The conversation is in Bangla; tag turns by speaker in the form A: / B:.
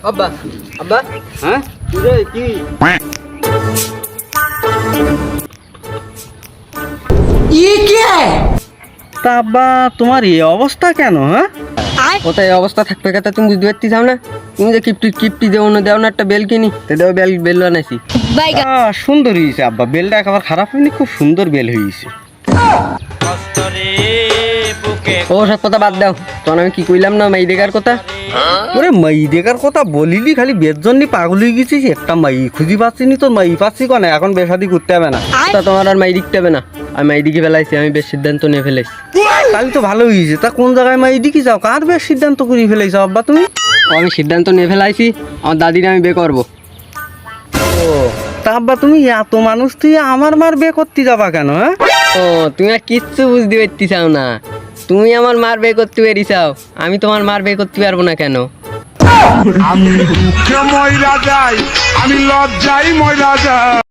A: আব্বা আব্বা
B: হ্যাঁ
A: রে কি
B: তা আব্বা তোমার এই অবস্থা কেন? হ্যাঁ
A: কোথায় এই অবস্থা থাকবে কথা তুমি বুঝতে পারতেছাও না? তুমি যে কিপটি দেও না একটা বেল কিনি তো দেও বেল বানাইছি।
B: সুন্দর হয়েছে আব্বা, বেলটা একেবারে খারাপ হয়নি, খুব সুন্দর বেল হয়েছে।
A: ও সব কথা বাদ দাও, তখন আমি কি কইলাম না মাই দেখার কথা।
B: ওরে মাই দেখার কথা বলিলি, খালি বের জন্য পাগল হয়ে গেছিস। একটা মাই খুঁজি পাচ্ছি নি, তোর মাই পাচ্ছি কনে, এখন বেশাদি করতে হবে না।
A: তা তোমার আর মাই দিকতে হবে না, আমি মাই দিকে ফেলাইছি, আমি বেশ সিদ্ধান্ত নিয়ে ফেলেছি।
B: তাহলে তো ভালো হয়েছে। তা কোন জায়গায় মাই দিকে যাও, কার বেশ সিদ্ধান্ত করে ফেলেছ আব্বা তুমি?
A: আমি সিদ্ধান্ত নিয়ে ফেলাইছি, আমার দাদির আমি বিয়ে করবো।
B: ও তা আব্বা তুমি এত মানুষ তুই আমার মার বিয়ে করতে যাবা কেন? হ্যাঁ
A: ও তুমি আর কিচ্ছু বুঝতে পারতেছাও না, তুমি আমার মার বিয়ে করতে পেরেছাও, আমি তোমার মার বিয়ে করতে পারবো না কেন?
C: আমি দুঃখে ময়রা যাই, আমি লজ্জায় ময়রা যাই।